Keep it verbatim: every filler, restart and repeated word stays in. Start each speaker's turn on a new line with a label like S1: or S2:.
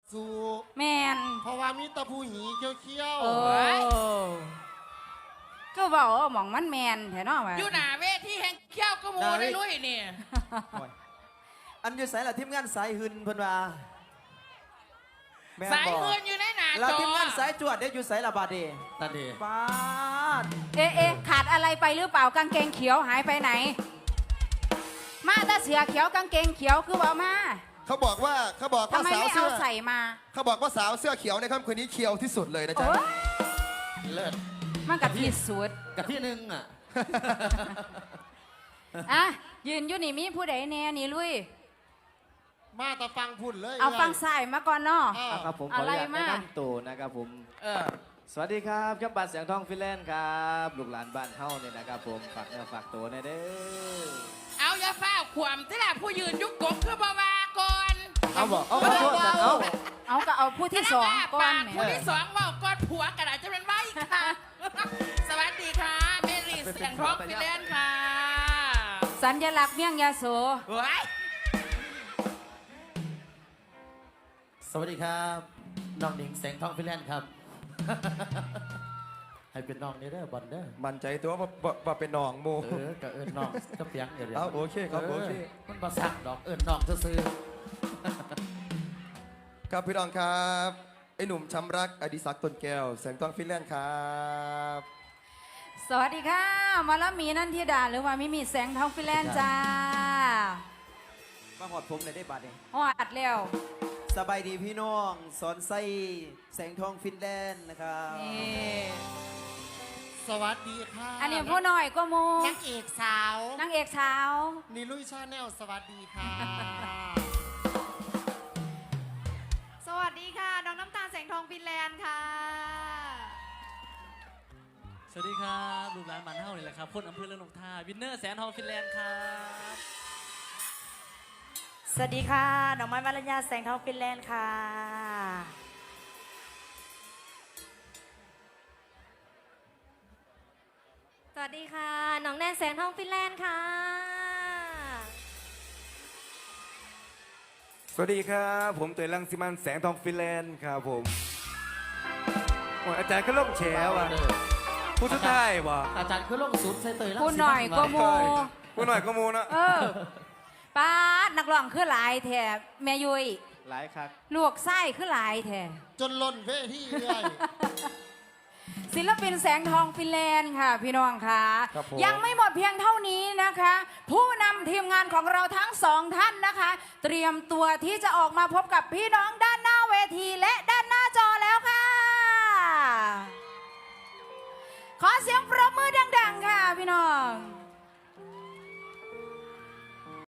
S1: สู่
S2: แมน
S1: เพราะว่ามีตะพูหีเขี้ยว
S2: โอ้ก็บอกว่าหมองมันแมนแถวเนอกมา
S3: อยู่หน้าเวทีแห่งเขี้ยวกระมูได้ลุยนี่
S4: อันอยู่สายละทีมงานสายหืนเพิ่นว่าแม่น
S3: สาย
S4: บ่
S3: เงินอยู่ในหน้า
S4: แล้ว
S3: จอ
S4: ทีมงานสายจวดได้อยู่สายละบาดเด
S5: นั่นดี
S4: ปาด
S2: เอ๊ะเอ๊ะขาดอะไรไปหรือเปล่ากางเกงเขียวหายไปไหน มาแต่เสือเขียวกางเกงเขียวคือบอกมา
S6: ๆเขาบอกว่าเขาบอก
S2: ทำ
S6: ว่า
S2: ไม
S6: สาว
S2: ไม่
S6: เสื้
S2: เอา
S6: อ
S2: ใส่มา
S6: เขาบอกว่าสาวเสื้อเขียวในค่ำคืนนี้เขียวที่สุดเลยนะจ๊ะ
S2: โอ้ย
S5: เลิศ
S2: มันกับที่สุด
S5: กับที่หนึ่งอ่ะ
S2: อ่ะยืนอยู่นี่มีผู้ใดแน่นี่ลุย
S1: ๆมาแต่ฟังพุ่นเลย
S2: เอาฟังสายมาก่อนเนาะ
S1: เออ
S4: เอาครับผมขอ
S2: อะ
S4: อ
S2: ไร
S4: นุญาต
S2: มา
S4: แนะนำตัวนะครับผม
S3: เออ
S4: สวัสดีครับครับบัตรเสียงทองฟินแลนด์ครับลูกหลานบ้านเฮาเนี่ยนะครับผมฝากเนื้อฝากตัวหนะเด้อ
S3: เอาอย่าฟ้าขวามที่ละผู้ยืนยุกกบคือบาวาก่อน
S4: เอาบอกเอาขอโทษนะเอา
S2: เอาก็เอาผู้ที่สองก่อน
S3: ปาก
S2: เนี่ย
S3: ผู้ที่สองเว่าก่อนผัวกระดาษจะเป็นไว้ค่ะ สวัสดีค่ะเมรีเสียงร้องฟิเลนค่ะ
S2: สัญลักษณ์เมี่ยงยาโส
S3: เฮ้ย
S5: สวัสดีครับน้องหนิงแสงทองฟินแลนด์ครับ ให้เป็นน้องนี่เด้อบอลเด้อ
S6: มั่นใจตัวว่าว่าว่าเป็นน้องโม
S5: เออกับเอิญน้องก็เปียงเดี๋ยวเดี๋ยว
S6: เอาโอเคครับโอเค
S5: มันมาสั่งดอกเอิญน้องซื้อ
S6: ครับพี่น้องครับไอ้หนุ่มช้ำรักอดิศักดิ์ต้นแก้วแสงทองฟินแลนด์ครับ
S2: สวัสดีค่ะมาลามีนันทิดาหรือว่ามิมีแสงทองฟิแลนด์จ้า
S4: มาหอดผมเลยได้บัตรเนี่ย
S2: ฮอดแล้ว
S4: สบายดีพี่น้องสอนไส้แสงทองฟินแลนด์นะครับ
S2: นี่
S1: สวัสดีค่ะ
S2: อันนี้ผู้น้อยก็โม
S1: นางเอกสาว
S2: นางเอกสาว
S1: นิลุยชาแนลสวัสดีค่ะ
S7: สวัสดีค่ะ น้องน้ำตาลแสงทองฟินแลนด์ค่ะ
S8: สวัสดีครับลูกหลานบ้านเฮานี่แหละครับคนอำเภอเรืองนกทาวินเนอร์แสนทองฟินแลนด์ครับ
S7: สวัสดีค่ะ น้องไม้มารัญญาแสงทองฟินแลนด์ค่ะ
S9: สวัสดีค่ะ น้องแนนแสงทองฟินแลนด์ค่ะ
S10: สวัสดีครับผมเตยรังสิมันแสงทองฟินแลนด์ครับผมโอ้ยอาจารย์ก็ล่มแฉว่ะผู้สุดท้ายว่ะ
S5: อาจารย์คือลงสุดใส่เตยรัง
S2: ผู้น้อยก็โม
S10: ผู้หน่อยก็มูนะ
S2: เออป้าดนักร้องคือหลายแถบแม่ยุย
S4: หลายครับ
S2: ลวกไส้คือหลายแถบ
S1: จนล้นเวทีเลย
S2: ศิลปินแสงทองฟินแลนด์ค่ะพี่น้องค่ะ
S6: ครับผม
S2: ยังไม่หมดเพียงเท่านี้นะคะ ผู้นำทีมงานของเราทั้งสองท่านนะคะ เตรียมตัวที่จะออกมาพบกับพี่น้องด้านหน้าเวทีและด้านหน้าจอแล้วค่ะ ขอเสียงปรบมือดังๆค่ะพี่น้อง